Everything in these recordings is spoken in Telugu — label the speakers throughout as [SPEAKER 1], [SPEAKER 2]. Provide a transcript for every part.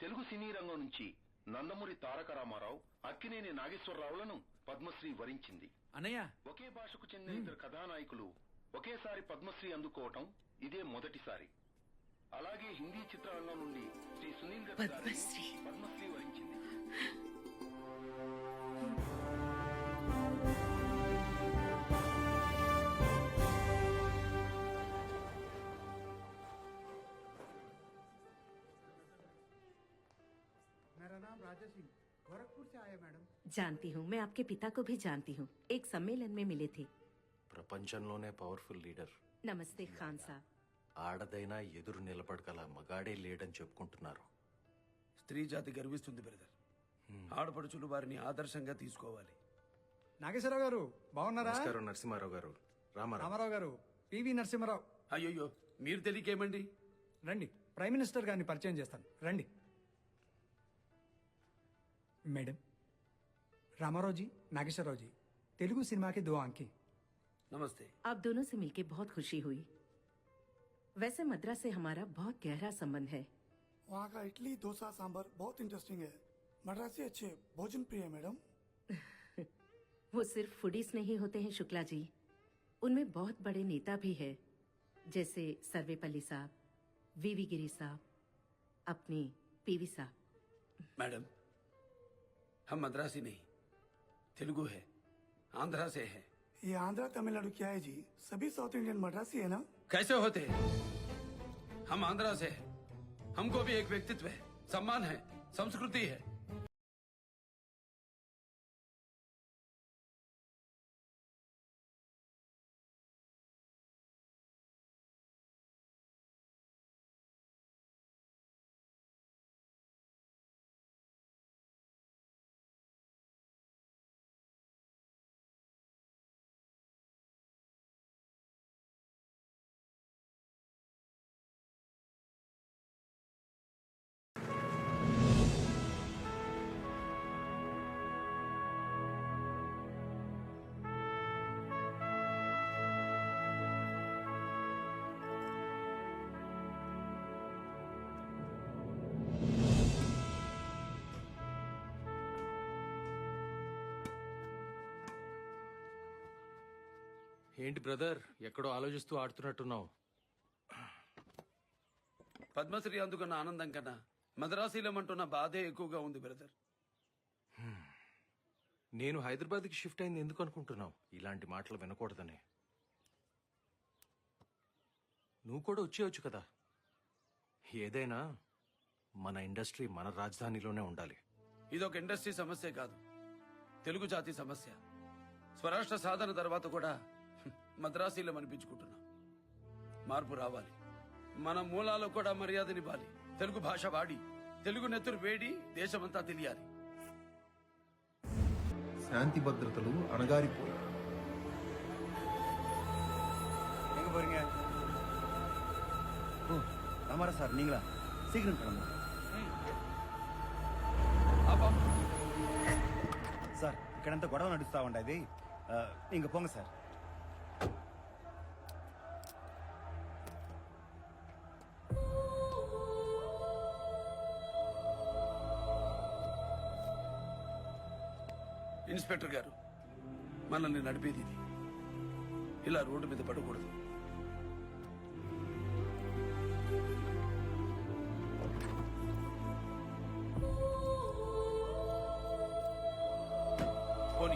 [SPEAKER 1] తెలుగు సినీ రంగం నుంచి నందమూరి తారక రామారావు, అక్కినేని నాగేశ్వరరావులను పద్మశ్రీ వరించింది.
[SPEAKER 2] అన్నయ్య,
[SPEAKER 1] ఒకే భాషకు చెందిన ఇద్దరు కథానాయకులు ఒకేసారి పద్మశ్రీ అందుకోవటం ఇదే మొదటిసారి. అలాగే హిందీ చిత్రరంగం నుండి శ్రీ సునీల్ దత్ గారిని పద్మశ్రీ వరించింది.
[SPEAKER 3] मेरा नाम राजा सिंह, गोरखपुर से आया मैडम।
[SPEAKER 4] जानती हूँ, मैं आपके पिता को भी जानती हूँ, एक सम्मेलन में मिले थे।
[SPEAKER 5] ప్రపంచంలోనే పవర్ఫుల్ లీడర్.
[SPEAKER 4] नमस्ते खान साहब.
[SPEAKER 5] ఆడదైనా ఎదురు నిలబడగల మగాడే లేడని చెప్పుకుంటున్నారు.
[SPEAKER 2] స్త్రీ జాతి గర్విస్తుంది బ్రదర్. ఆడపడుచులు వారిని ఆదర్శంగా తీసుకోవాలి.
[SPEAKER 3] నాగేశ్వరరావు గారు బాగున్నారా?
[SPEAKER 5] నమస్కారం నరసింహారావు గారు.
[SPEAKER 3] రామారావు గారు, పివి నరసింహారావు.
[SPEAKER 2] అయ్యో, మీరు తెలియకేమండి?
[SPEAKER 3] రండి, ప్రైమ్ మినిస్టర్ గారిని పరిచయం చేస్తాను, రండి. मैडम, रामाराव जी, नागेश्वरराव जी, तेलुगु सिनेमा के 2 आंखें।
[SPEAKER 2] नमस्ते.
[SPEAKER 4] आप दोनों से मिलकर बहुत खुशी हुई. वैसे मद्रास से हमारा बहुत गहरा संबंध है.
[SPEAKER 6] वहाँ का इडली डोसा सांभर बहुत इंटरेस्टिंग है. मद्रासी अच्छे भोजन प्रिय है मैडम.
[SPEAKER 4] वो सिर्फ फूडीज नहीं होते हैं शुक्ला जी, उनमें बहुत बड़े नेता भी है, जैसे सर्वेपल्ली साहब, वीवी गिरी साहब, अपने पीवी साहब.
[SPEAKER 2] मैडम, हम मद्रासी नहीं, तेलुगु है, आंध्रा से है.
[SPEAKER 6] ये आंध्रा तमिलनाडु क्या है जी? सभी साउथ इंडियन मद्रासी है ना?
[SPEAKER 2] कैसे होते हैं? हम आंध्रा से है, हमको भी एक व्यक्तित्व है, सम्मान है, संस्कृति है.
[SPEAKER 5] ఏంటి బ్రదర్, ఎక్కడో ఆలోచిస్తూ ఆడుతున్నట్టున్నావు?
[SPEAKER 2] పద్మశ్రీ అందుకున్న ఆనందం కన్నా మద్రాసీలమంటున్న బాధే ఎక్కువగా ఉంది బ్రదర్.
[SPEAKER 5] నేను హైదరాబాద్కి షిఫ్ట్ అయింది ఎందుకు అనుకుంటున్నావు? ఇలాంటి మాటలు వినకూడదని. నువ్వు కూడా వచ్చేయచ్చు కదా. ఏదైనా మన ఇండస్ట్రీ మన రాజధానిలోనే ఉండాలి.
[SPEAKER 2] ఇదొక ఇండస్ట్రీ సమస్య కాదు, తెలుగు జాతి సమస్య. స్వరాష్ట్ర సాధన తర్వాత కూడా మద్రాసీలం అనిపించుకుంటున్నాం. మార్పు రావాలి. మన మూలాల్లో కూడా మర్యాదనివ్వాలి. తెలుగు భాష వాడి, తెలుగు నెత్తురు వేడి దేశమంతా తెలియాలి.
[SPEAKER 7] శాంతి భద్రతలు అణగారిపోయి
[SPEAKER 8] ராமாரா சார், நீங்களா? சீக்கிரம் கிளம்புங்க సార్. ఇక్కడంతా గొడవ నడుస్తా ఉండేది, ఇంక పోంగ సార్.
[SPEAKER 2] ఇన్స్పెక్టర్ గారు, మనల్ని నడిపేది ఇది. ఇలా రోడ్డు మీద పడకూడదు. పోనీ.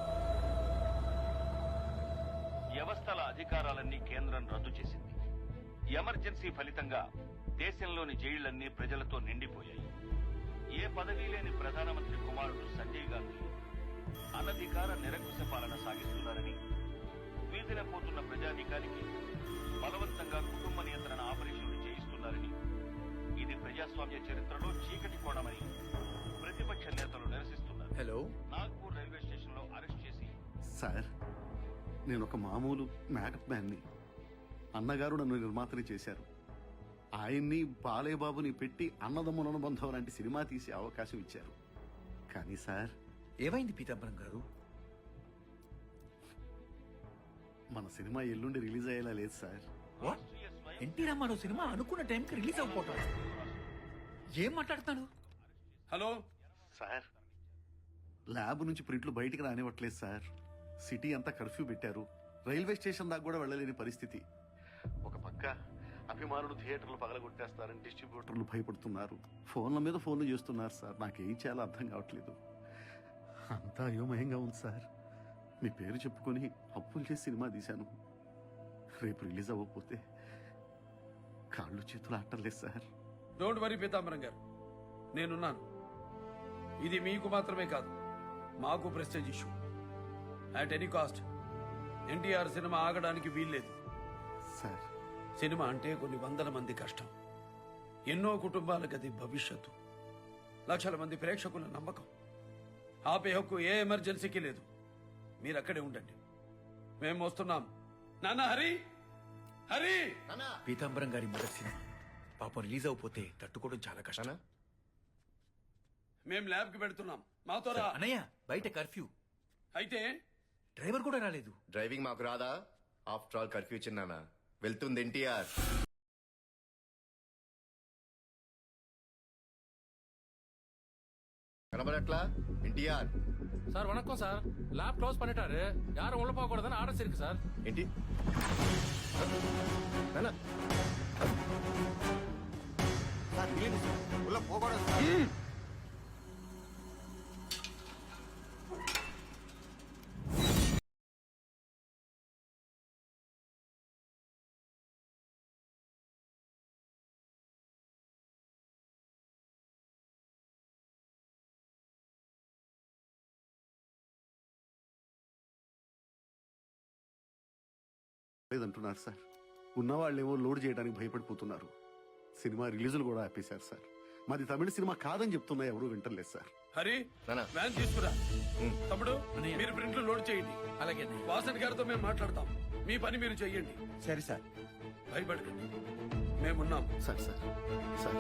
[SPEAKER 9] వ్యవస్థల అధికారాలన్నీ కేంద్రం రద్దు చేసింది. ఎమర్జెన్సీ ఫలితంగా దేశంలోని జైళ్లన్నీ ప్రజలతో నిండిపోయాయి. ఏ పదవీ లేని ప్రధానమంత్రి కుమారుడు సంజయ్ గాంధీ అనధికార నిరంకుశ పాలన సాగిస్తున్నారని, వీధిన పోతున్న ప్రజానీకానికి బలవంతంగా కుటుంబ నియంత్రణ ఆపరేషన్లు చేయిస్తున్నారని, ఇది ప్రజాస్వామ్య చరిత్రలో చీకటి కోణమని ప్రతిపక్ష నేతలు నిరసిస్తున్నారు.
[SPEAKER 2] హలో,
[SPEAKER 9] నాగ్పూర్ రైల్వే స్టేషన్ లో అరెస్ట్ చేసి.
[SPEAKER 10] సార్, నేను ఒక మామూలు మేకప్ మ్యాన్ని. అన్నగారు నన్ను నిర్మాతని చేశారు. ఆయన్ని బాలేబాబుని పెట్టి అన్నదమ్ముల అనుబంధం లాంటి సినిమా తీసే అవకాశం ఇచ్చారు. కానీ సార్,
[SPEAKER 8] ఏమైంది పీతాంబరం గారు?
[SPEAKER 10] మన సినిమా ఎల్లుండి రిలీజ్ అయ్యేలా లేదు సార్.
[SPEAKER 8] ఎన్టీ రామారావు సినిమా అనుకున్న టైంకి రిలీజ్ అయిపోతాడు.
[SPEAKER 11] ఏం మాట్లాడుతున్నాడు?
[SPEAKER 2] హలో
[SPEAKER 10] సార్ ల్యాబ్ నుంచి ప్రింట్లు బయటికి రానివ్వట్లేదు సార్. సిటీ అంతా కర్ఫ్యూ పెట్టారు. రైల్వే స్టేషన్ దాకా కూడా వెళ్ళలేని పరిస్థితి. ఒక పక్క అభిమానులు థియేటర్లు పగలగొట్టేస్తారని డిస్ట్రిబ్యూటర్లు భయపడుతున్నారు. ఫోన్ల మీద ఫోన్లు చేస్తున్నారు సార్. నాకేం చేయాలో అర్థం కావట్లేదు. అంతా అయోమయంగా ఉంది సార్. మీ పేరు చెప్పుకొని అప్పులు చేసి సినిమా తీశాను. రేపు రిలీజ్ అవ్వకపోతే కాళ్ళు చేతులు ఆటలేదు సార్.
[SPEAKER 2] డోంట్ వరీ పీతాంబరం గారు, నేనున్నాను. ఇది మీకు మాత్రమే కాదు, మాకు prestige issue. At any cost NTR cinema ఆగడానికి వీల్లేదు
[SPEAKER 10] సార్.
[SPEAKER 2] సినిమా అంటే కొన్ని వందల మంది కష్టం, ఎన్నో కుటుంబాలకు అది భవిష్యత్తు, లక్షల మంది ప్రేక్షకుల నమ్మకం. ఆపే హక్కు ఏ ఎమర్జెన్సీకి లేదు. మీరు అక్కడే ఉండండి, మేము వస్తున్నాం. నాన్న హరి, హరి!
[SPEAKER 11] పీతాంబరం గారి మొదటి సినిమా పాపం రిలీజ్ అయిపోతే తట్టుకోవడం చాలా కష్టం.
[SPEAKER 2] మేం ల్యాబ్ కి పెడుతున్నాం, మాతో రా.
[SPEAKER 11] అన్నయ్య బయట కర్ఫ్యూ,
[SPEAKER 2] అయితే
[SPEAKER 11] డ్రైవర్ కూడా రాలేదు.
[SPEAKER 12] డ్రైవింగ్ మాకు రాదా? ఆఫ్టర్ ఆల్ కర్ఫ్యూ చిన్నానా, వెళ్తుంది ఎన్టీఆర్. கனபரட்லா என்டிஆர்
[SPEAKER 5] சார் வணக்கம் சார். லேப் க்ளோஸ் பண்ணிட்டாரு, யாரும் உள்ள போக கூடாதுன்னு ஆர்டர்ஸ் இருக்கு சார்.
[SPEAKER 12] ఏంటి నాన్న
[SPEAKER 8] ఉள்ள పోకూడదు సార్.
[SPEAKER 10] లేదంటున్నారు సార్. ఉన్నవాళ్ళేమో లోడ్ చేయడానికి భయపడిపోతున్నారు. సినిమా రిలీజులు కూడా ఆపేశారు సార్. మాది తమిళ సినిమా కాదని చెప్తున్నా ఎవరు వింటలేదు సార్.
[SPEAKER 2] హరి,
[SPEAKER 12] నాన్న
[SPEAKER 2] వ్యాన్ తీసుకురా. తమ్ముడు, మీరు ప్రింట్లు లోడ్ చేయండి.
[SPEAKER 11] అలాగే
[SPEAKER 2] వాసన్ గారితో మేము మాట్లాడతాం. మీ పని మీరు చెయ్యండి.
[SPEAKER 8] సరే సార్.
[SPEAKER 2] భయపడకండి, మేమున్నాం.
[SPEAKER 10] సార్ సార్ సార్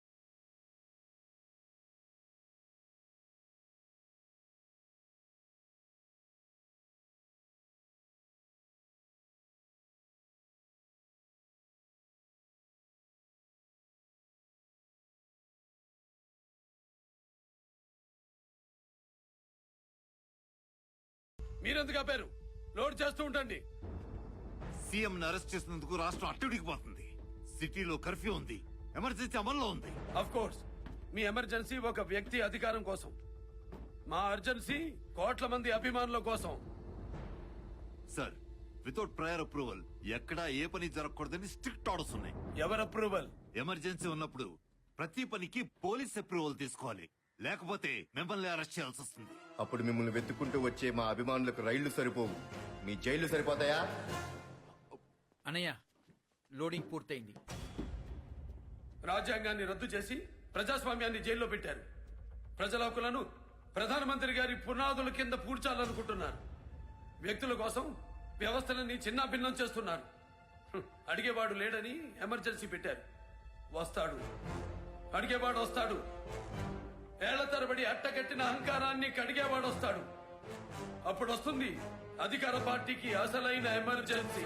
[SPEAKER 2] మీరెందుకు ఆపారు? లోడ్ చేస్తూ ఉండండి.
[SPEAKER 8] సీఎం ని అరెస్ట్ చేసినందుకు రాష్ట్రం అట్టుడికిపోతుంది. సిటీలో కర్ఫ్యూ ఉంది, ఎమర్జెన్సీ అమల్లో ఉంది.
[SPEAKER 2] అఫ్ కోర్స్ మీ ఎమర్జెన్సీ ఒక వ్యక్తి అధికారం కోసం, మా అర్జెన్సీ కోట్ల మంది అభిమానుల కోసం.
[SPEAKER 8] సార్, వితౌట్ ప్రయర్ అప్రూవల్ ఎక్కడా ఏ పని జరగకూడదని స్ట్రిక్ట్ ఆర్డర్స్ ఉన్నాయి.
[SPEAKER 2] ఎవరు అప్రూవల్?
[SPEAKER 8] ఎమర్జెన్సీ ఉన్నప్పుడు ప్రతి పనికి పోలీస్ అప్రూవల్ తీసుకోవాలి, లేకపోతే మిమ్మల్ని అరెస్ట్ చేయాల్సి వస్తుంది.
[SPEAKER 12] అప్పుడు మిమ్మల్ని వెతుక్కుంటూ వచ్చే మా అభిమానులకు రైళ్లు సరిపోవు, మీ జైళ్లు సరిపోతాయా?
[SPEAKER 11] అన్నయ్య లోడింగ్ పూర్తయింది.
[SPEAKER 2] రాజ్యాంగాన్ని రద్దు చేసి ప్రజాస్వామ్యాన్ని జైల్లో పెట్టారు. ప్రజల హక్కులను ప్రధానమంత్రి గారి పునాదుల కింద పూడ్చాలనుకుంటున్నారు. వ్యక్తుల కోసం వ్యవస్థలని చిన్నాభిన్నం చేస్తున్నారు. అడిగేవాడు లేడని ఎమర్జెన్సీ పెట్టారు. వస్తాడు, అడిగేవాడు వస్తాడు. ఏళ్ల తరబడి అట్టగట్టిన అహంకారాన్ని కడిగేవాడు వస్తాడు. అప్పుడు వస్తుంది అధికార పార్టీకి అసలైన ఎమర్జెన్సీ.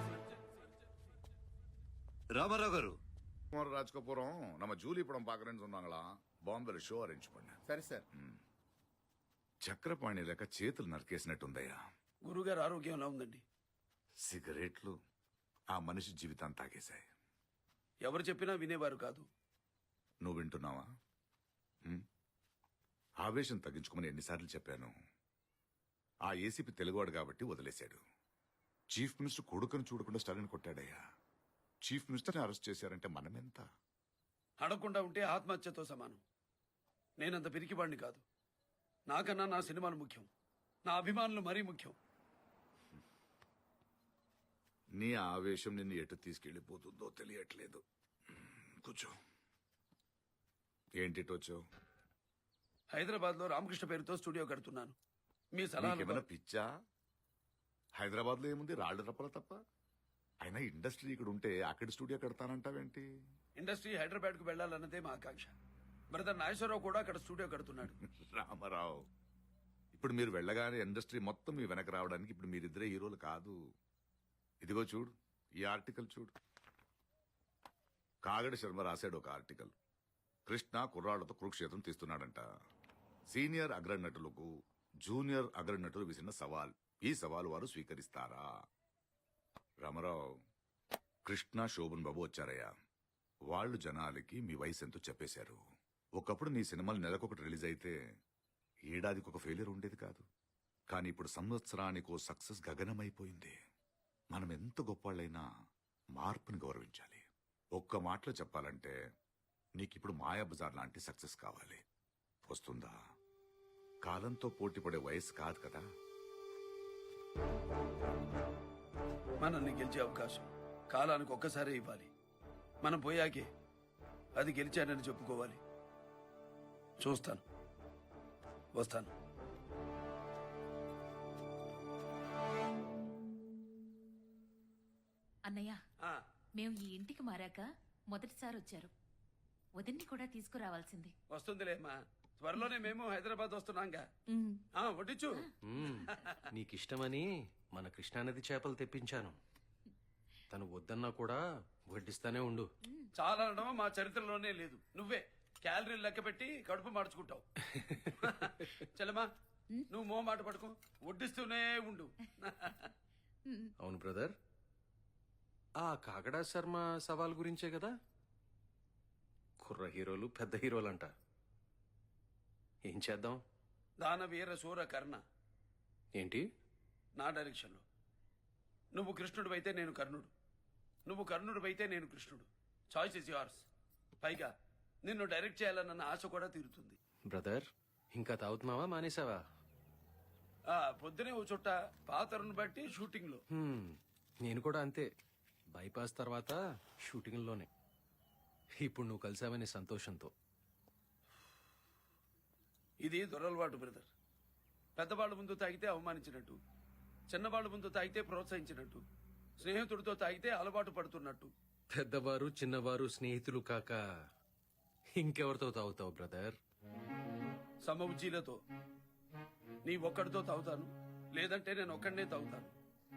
[SPEAKER 8] రామారావు గారు,
[SPEAKER 13] ராஜ்கபூரம் நம்ம ஜூலி படம் பாக்குறேன்னு சொன்னாங்களா? బాంబేలో షో అరేంజ్ பண்ண.
[SPEAKER 12] సరే సార్.
[SPEAKER 13] చక్రపాణి లేక చేతులు నరికేసినట్టుందయ్యా.
[SPEAKER 2] గురుగారు ఆరోగ్యం ఎలా ఉందండి?
[SPEAKER 13] సిగరెట్లు ఆ మనిషి జీవితాన్ని తాగేశాయి.
[SPEAKER 2] ఎవరు చెప్పినా వినేవారు కాదు.
[SPEAKER 13] నువ్వు వింటున్నావా? ఆవేశం తగ్గించుకోమని ఎన్నిసార్లు చెప్పాను. ఆ ఏసీపీ తెలుగువాడు కాబట్టి వదిలేశాడు. చీఫ్ మినిస్టర్ కొడుకుని చూడకుండా స్టాలిన్ కొట్టాడయ్యా. చీఫ్ మినిస్టర్ని అరెస్ట్ చేశారంటే మనమెంత?
[SPEAKER 2] అడగకుండా ఉంటే ఆత్మహత్యతో సమానం. నేనంత పిరికివాడిని కాదు. నాకన్నా నా సినిమాలు ముఖ్యం, నా అభిమానులు మరీ ముఖ్యం.
[SPEAKER 13] నీ ఆవేశం నిన్ను ఎటు తీసుకెళ్లిపోతుందో తెలియట్లేదు. కూర్చో. ఏంటి వచ్చావు?
[SPEAKER 2] హైదరాబాద్ లో రామకృష్ణ పేరుతో స్టూడియో కడుతున్నాను. మీ
[SPEAKER 13] ఏమైనా
[SPEAKER 2] సలహా?
[SPEAKER 13] పిచ్చా? హైదరాబాద్ లో ఏముంది, రాళ్ళు రప్పల తప్ప. అయినా ఇండస్ట్రీ ఇక్కడ ఉంటే అక్కడ స్టూడియో కడతానంటావేంటి?
[SPEAKER 2] ఇండస్ట్రీ హైదరాబాద్ కు వెళ్లాలన్నదే మా ఆకాంక్ష. బ్రదర్ నాగేశ్వరరావు కూడా అక్కడ స్టూడియో కడుతున్నాడు.
[SPEAKER 13] రామారావు, ఇప్పుడు మీరు వెళ్ళగానే ఇండస్ట్రీ మొత్తం మీ వెనక రావడానికి ఇప్పుడు మీరిద్దరే హీరోలు కాదు. ఇదిగో చూడు, ఈ ఆర్టికల్ చూడు. కాగడ శర్మ రాశాడు ఒక ఆర్టికల్. కృష్ణ కుర్రాళ్లతో కురుక్షేత్రం తీస్తున్నాడంట. సీనియర్ అగ్రనటులకు జూనియర్ అగ్రనటులు విసిన సవాల్. ఈ సవాల్ వారు స్వీకరిస్తారా? రామారావు, కృష్ణ శోభన్ బాబు వచ్చారయ్యా. వాళ్ళు జనాలకి మీ వయసు ఎంతో చెప్పేశారు. ఒకప్పుడు నీ సినిమాలు నెలకొకటి రిలీజ్ అయితే ఏడాదికి ఒక ఫెయిలియర్ ఉండేది కాదు. కానీ ఇప్పుడు సంవత్సరానికో సక్సెస్ గగనమైపోయింది. మనం ఎంత గొప్పవాళ్ళైనా మార్పుని గౌరవించాలి. ఒక్క మాటలో చెప్పాలంటే నీకిప్పుడు మాయాబజార్ లాంటి సక్సెస్ కావాలి. వస్తుందా? కాలంతో పోటీపడే వయసు కాదు కదా.
[SPEAKER 2] మనల్ని గెలిచే అవకాశం కాలానికి ఒక్కసారే ఇవ్వాలి. మనం పోయాకే అది గెలిచానని చెప్పుకోవాలి. చూస్తాను, వస్తాను.
[SPEAKER 14] అన్నయ్య, మేము ఈ ఇంటికి మారాక మొదటిసారి వచ్చారు. వదిన్ని కూడా తీసుకురావాల్సింది.
[SPEAKER 2] వస్తుందిలేమ్మా, త్వరలోనే మేము హైదరాబాద్ వస్తున్నాంగా. వడ్డించు.
[SPEAKER 15] నీకిష్టమని మన కృష్ణానది చేపలు తెప్పించాను. తను వద్దన్నా కూడా వడ్డిస్తానే ఉండు.
[SPEAKER 2] చాలా అనడం మా చరిత్రలోనే లేదు. నువ్వే క్యాలరీలు లెక్క పెట్టి కడుపు మార్చుకుంటావు. చలమా, నువ్వు మో మాట పడుకో, వడ్డిస్తూనే ఉండు.
[SPEAKER 15] అవును బ్రదర్, ఆ కాగడా శర్మ సవాల్ గురించే కదా? కుర్ర హీరోలు పెద్ద హీరోలంట. ఏం చేద్దాం?
[SPEAKER 2] దానవీర శూర కర్ణ
[SPEAKER 15] ఏంటి?
[SPEAKER 2] నా డైరెక్షన్లో. నువ్వు కృష్ణుడివైతే నేను కర్ణుడు, నువ్వు కర్ణుడివైతే నేను కృష్ణుడు. Choice is yours. పైగా నిన్ను డైరెక్ట్ చేయాలన్న ఆశ కూడా తీరుతుంది.
[SPEAKER 15] బ్రదర్, ఇంకా తాగుతున్నావా మానేసావా?
[SPEAKER 2] పొద్దునే ఓ చుట్ట పాత్రను బట్టి షూటింగ్ లో.
[SPEAKER 15] నేను కూడా అంతే. బైపాస్ తర్వాత షూటింగ్లోనే. ఇప్పుడు నువ్వు కలిసావనే సంతోషంతో.
[SPEAKER 2] ఇది దొరలవాటు బ్రదర్. పెద్దవాళ్ళ ముందు తాగితే అవమానించినట్టు, చిన్నవాళ్ళ ముందు తాగితే ప్రోత్సహించినట్టు, స్నేహితుడితో తాగితే అలవాటు పడుతున్నట్టు.
[SPEAKER 15] పెద్దవారు చిన్నవారు స్నేహితులు కాక ఇంకెవరితో తాగుతావు బ్రదర్?
[SPEAKER 2] సమవుజ్జీలతో. నీ ఒక్కడితో తాగుతాను, లేదంటే నేను ఒక్కడనే తాగుతాను.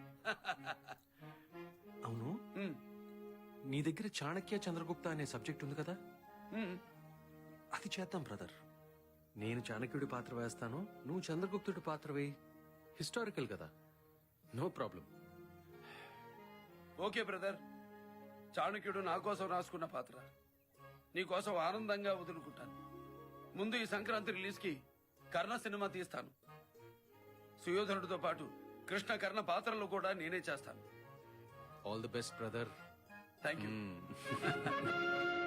[SPEAKER 15] అవును, నీ దగ్గర చాణక్య చంద్రగుప్త అనే సబ్జెక్ట్ ఉంది కదా? అది చేద్దాం బ్రదర్. నేను చాణక్యుడి పాత్ర వేస్తాను, నువ్వు చంద్రగుప్తుడి పాత్ర వేయి. హిస్టారికల్ కదా, నో ప్రాబ్లం.
[SPEAKER 2] Okay brother. చాణక్యుడు నా కోసం రాసుకున్న పాత్ర నీ కోసం ఆనందంగా వదులుకుంటాను. ముందు ఈ సంక్రాంతి రిలీజ్ కి కర్ణ సినిమా తీస్తాను. సుయోధనుడితో పాటు కృష్ణ కర్ణ పాత్రలు కూడా నేనే చేస్తాను.
[SPEAKER 15] All the best brother.
[SPEAKER 2] Thank you.